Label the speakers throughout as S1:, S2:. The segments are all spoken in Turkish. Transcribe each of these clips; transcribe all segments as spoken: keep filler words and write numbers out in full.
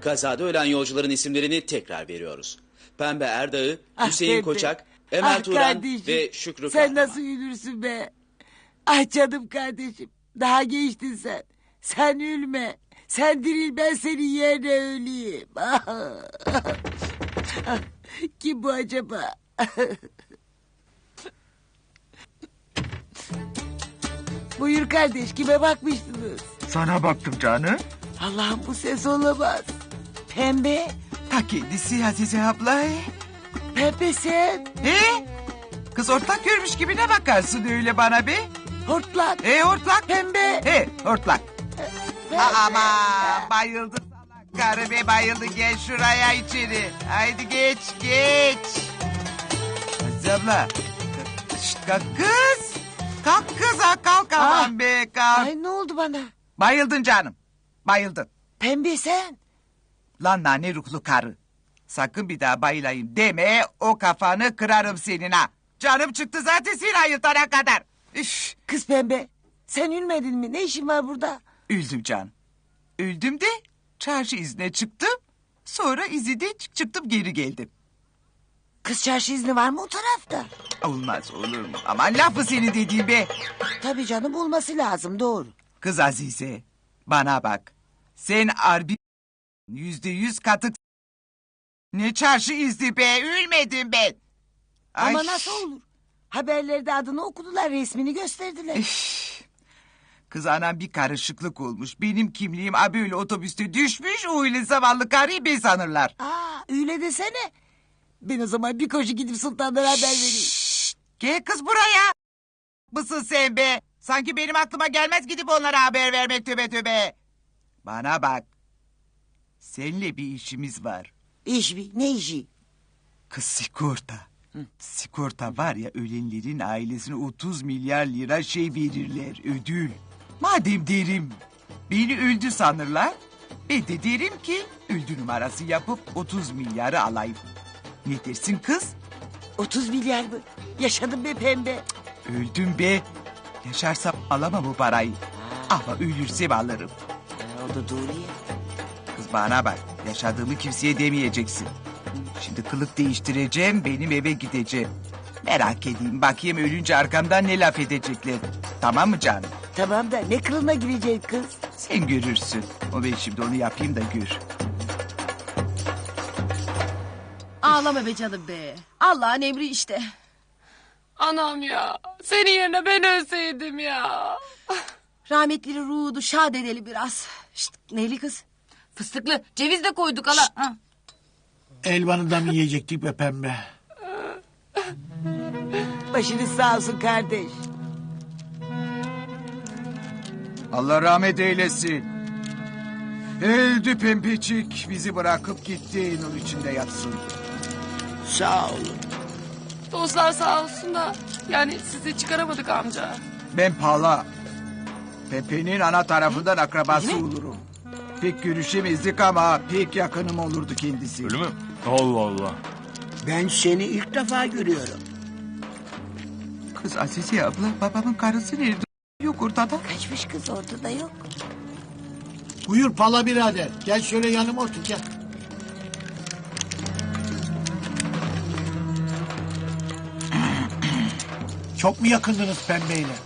S1: Kazada ölen yolcuların isimlerini tekrar veriyoruz. Pembe Erdağ'ı,
S2: Ah
S1: Hüseyin
S2: Pembe.
S1: Koçak, Emel
S2: Ah
S1: Turan
S2: kardeşim,
S1: ve Şükrü
S2: sen
S1: Kahraman.
S2: nasıl ölürsün be? Ah canım kardeşim. Daha gençtin sen. Sen ölme. Sen diril, ben senin yerine öleyim. Kim bu acaba? Buyur kardeş, kime bakmıştınız?
S3: Sana baktım canım.
S2: Allah'ım, bu ses olamaz. Pembe.
S3: Ta kendisi Azize abla.
S2: Pembe sen.
S3: He? Kız ortak görmüş gibi ne bakarsın öyle bana be?
S2: Hortlak.
S3: E hortlak.
S2: Pembe.
S3: He hortlak.
S2: Pembe.
S3: Aman bayıldı salak karı be bayıldı. Gel şuraya içeri. Haydi geç geç. Azize abla. Şşt kalk kız. Kalk kız ha kalk aman
S2: Ah.
S3: be kalk.
S2: Ay, ne oldu bana?
S3: Bayıldın canım. Bayıldın.
S2: Pembe sen.
S3: Lan nane ruhlu karı. Sakın bir daha bayılayım deme, o kafanı kırarım senin ha. Canım çıktı zaten seni ayıltana kadar. Üf,
S2: Kız Pembe, sen ölmedin mi? Ne işin var burada?
S3: öldüm canım. Öldüm de çarşı izne çıktım. Sonra izide çık çıktım geri geldim.
S2: Kız çarşı izni var mı o tarafta?
S3: Olmaz olur mu? Aman lafı senin dediğin be.
S2: Tabii canım, olması lazım, doğru.
S3: Kız Azize bana bak. Sen harbi yüzde yüz katık. Ne çarşı izni be, ölmedim ben.
S2: Ama
S3: Ay.
S2: nasıl olur? Haberlerde adını okudular, resmini gösterdiler.
S3: Kız anam bir karışıklık olmuş. Benim kimliğim ha böyle otobüste düşmüş. O öyle zavallı karıyı ben sanırlar.
S2: Aa, öyle desene. Ben o zaman bir koşu gidip sultanlara haber vereyim.
S3: Gel kız buraya. Mısın sen be? Sanki benim aklıma gelmez gidip onlara haber vermek töbe töbe. Bana bak. Seninle bir işimiz var.
S2: İş mi? Ne işi?
S3: Kız sigorta. Sigorta var ya, ölenlerin ailesine otuz milyar lira şey verirler, ödül. Madem derim beni öldü sanırlar, ben de derim ki öldü numarası yapıp otuz milyarı alayım. Ne dersin kız?
S2: otuz milyar mı? Yaşadım be Pembe.
S3: Öldüm be. Yaşarsam alamam bu parayı. Ama ölürsem alırım.
S2: Ha, o da doğru ya.
S3: Kız bana bak, yaşadığımı kimseye demeyeceksin. Şimdi kılık değiştireceğim, benim eve gideceğim. Merak edeyim, bakayım ölünce arkamdan ne laf edecekler. Tamam mı canım?
S2: Tamam da ne kılına girecek kız?
S3: Sen görürsün. O ben şimdi onu yapayım da gör.
S4: Ağlama be canım be. Allah'ın emri işte.
S5: Anam ya. Senin yerine ben ölseydim ya.
S4: Rahmetli ruhu şad edelim biraz. Şşt, neyli kız?
S5: Fıstıklı ceviz de koyduk hala. Ha.
S6: Elvanı da mı yiyecektik be Pembe?
S2: Başınız sağ olsun kardeş.
S3: Allah rahmet eylesin. Öldü pembecik, bizi bırakıp gitti, nur içinde yatsın.
S6: Sağ olun.
S5: Dostlar sağ olsun da. Yani sizi çıkaramadık amca.
S3: Ben Pala. Pepe'nin ana tarafından akrabası olurum. Pek görüşemezdik ama pek yakınım olurdu kendisi.
S7: Öyle mi? Allah Allah.
S6: Ben seni ilk defa görüyorum.
S3: Kız Azize abla, babamın karısı nerede? Yok ortada.
S2: Kaçmış kız, ortada yok.
S6: Buyur Pala birader. Gel şöyle yanıma otur gel. Çok mu yakındınız Pembe'yle?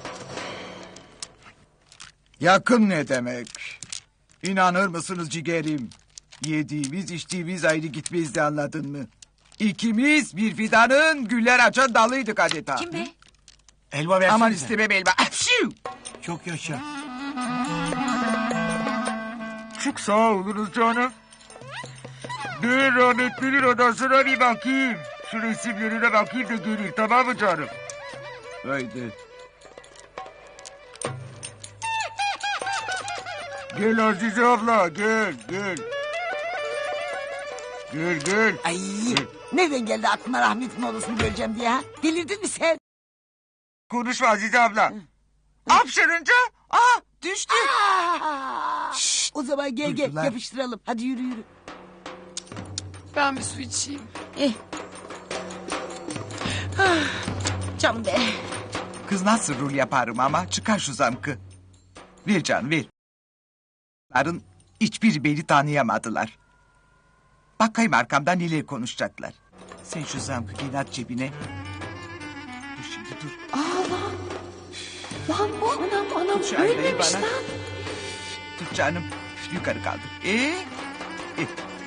S3: Yakın ne demek? İnanır mısınız ciğerim? Yediğimiz içtiğimiz ayrı gitmezdi, anladın mı? İkimiz bir fidanın güller açan dalıydık adeta.
S5: Kim be?
S6: Elva versene.
S3: Aman istemem elma. Apşiu!
S6: Çok yaşa.
S3: Çok sağ olunuz canım. Bir rahmetlinin odasına bir bakayım. Şu resimlerine bakayım da geleyim, tamam mı canım? Haydi. Gel Azize abla, gel gel. Gel gel.
S2: Ay, nereden geldi aklına rahmetin odasını göreceğim diye ha? Delirdin mi sen?
S3: Konuşma Azize abla. Hapşırınca ah düştü.
S2: Aa! O zaman gel gel
S3: Duydular.
S2: yapıştıralım. Hadi yürü yürü.
S5: Ben bir su içeyim.
S4: Eh. Ah, canım be.
S3: Kız nasıl rol yaparım ama, çıkar şu zamkı. Ver canım ver. Ların hiçbir beni tanıyamadılar. Bakayım arkamdan neler konuşacaklar. Sen şu zamkı at cebine. Dur şimdi dur.
S4: Lan bu anam anam
S3: Şu aynayı
S4: ölmemiş
S3: bana.
S4: lan.
S3: Tut canım. Yukarı kaldır. Ee? E.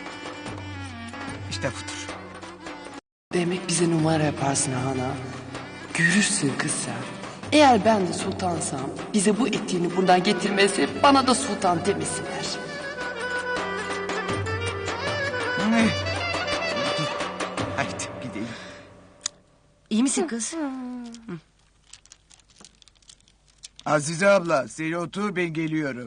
S3: İşte budur.
S5: Demek bize numara yaparsın ana. Görürsün kız sen. Eğer ben de sultansam bize bu etiğini buradan getirmesi bana da sultan demesinler.
S3: Ne? Dur. Haydi gidelim.
S4: İyi misin kız?
S3: Azize abla sen otur ben geliyorum.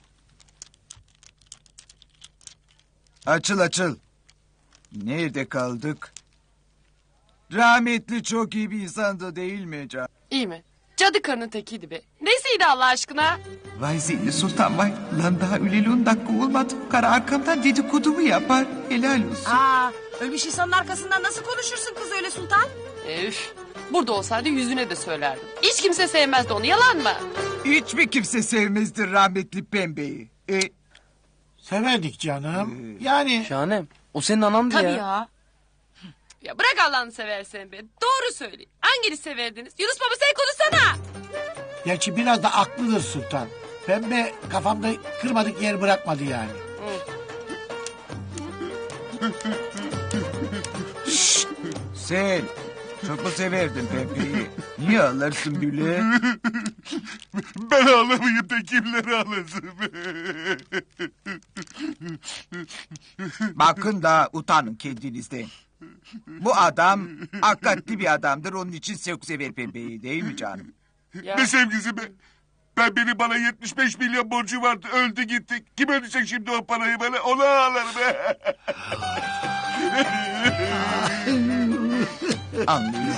S3: Açıl açıl. Nerede kaldık? Rahmetli çok iyi bir insandı değil mi can?
S5: İyi mi? Cadı karının tekiydi be. Nesiydi Allah aşkına?
S3: Vay Zeyni Sultan vay. Lan daha öleli on dakika olmadı. Kara arkamdan dedikodumu yapar. Helal olsun.
S4: Aa, ölmüş insanın arkasından nasıl konuşursun kız öyle sultan?
S5: Üf. Burada olsaydı yüzüne de söylerdim. Hiç kimse sevmezdi onu, yalan mı?
S3: Hiç mi kimse sevmezdi rahmetli pembeyi? E,
S6: Severdik canım. Yani
S7: Şahanem o senin anandı
S4: Tabii
S7: ya.
S4: ya.
S5: Ya bırak Allah'ını seversen be. Doğru söyle. Hangini severdiniz? Yunus baba sen konuşsana.
S6: gerçi biraz da aklıdır sultan. Pembe kafamda kırmadık yer bırakmadı yani.
S3: sen çok mu severdin pembeyi? Niye ağlarsın böyle?
S8: Ben ağlamayayım da kimleri ağlasın?
S3: Bakın da utanın kendinizden. Bu adam hakikatli bir adamdır. Onun için çok sever pembeyi değil mi canım?
S5: Ya.
S8: Ne sevgisi be? Ben benim bana yetmiş beş milyon borcu vardı. Öldü gitti. Kim ödeyecek şimdi o parayı bana? Ona ağlarım be.
S3: Anlıyorsun